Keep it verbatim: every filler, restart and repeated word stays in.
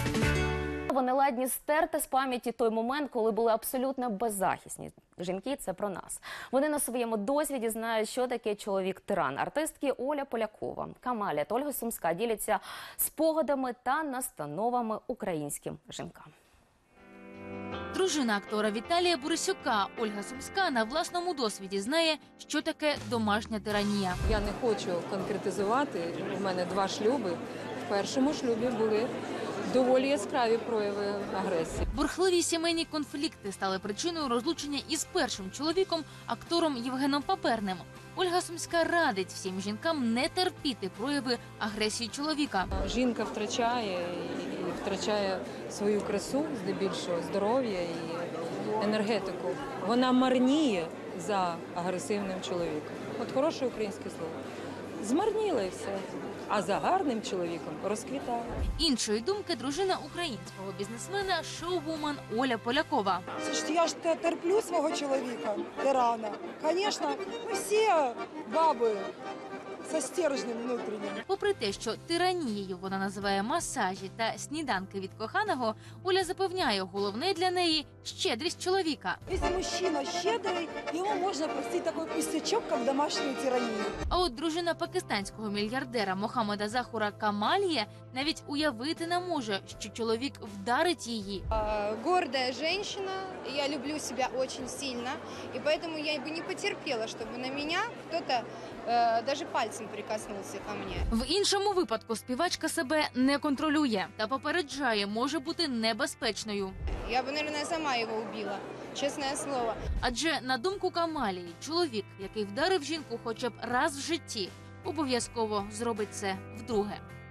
Вони ладні стерти з пам'яті той момент, коли були абсолютно беззахисні. Жінки – це про нас. Вони на своєму досвіді знають, що таке чоловік-тиран. Артистки Оля Полякова, Камаля та Ольга Сумська діляться спогадами та настановами українським жінкам. Дружина актора Віталія Борисюка Ольга Сумська на власному досвіді знає, що таке домашня тиранія. Я не хочу конкретизувати, у мене два шлюби. В першому шлюбі були доволі яскраві прояви агресії. Бурхливі сімейні конфлікти стали причиною розлучення із першим чоловіком, актором Євгеном Паперним. Ольга Сумська радить всім жінкам не терпіти прояви агресії чоловіка. Жінка втрачає і втрачає свою красу, здебільшого здоров'я і енергетику. Вона марніє за агресивним чоловіком. От хороше українське слово. Змарніла і все. А за гарним чоловіком розквітає. Іншої думки дружина українського бізнесмена, шоу-вумен Оля Полякова. Слушайте, я ж терплю свого чоловіка, тирана. Звісно, ми всі баби зі стержнем внутрішнім. Попри те, що тиранією вона називає масажі та сніданки від коханого, Оля запевняє, головне для неї – щедрість чоловіка. Якщо мужчина щедрий, йому можна простити такий пустячок, як домашню тиранію. А от дружина пакистанського мільярдера Мохаммеда Захура Камалія навіть уявити не може, що чоловік вдарить її. Гордая женщина, я люблю себя очень сильно, и поэтому я бы не потерпела, чтобы на меня кто-то э, даже пальцем прикоснулся ко мне. В іншому випадку співачка себе не контролює та попереджає, може бути небезпечною. Я бы, наверное, сама его убила, честное слово. Адже, на думку Камалії, чоловік, який вдарив жінку хоча б раз в житті, обов'язково зробить це вдруге.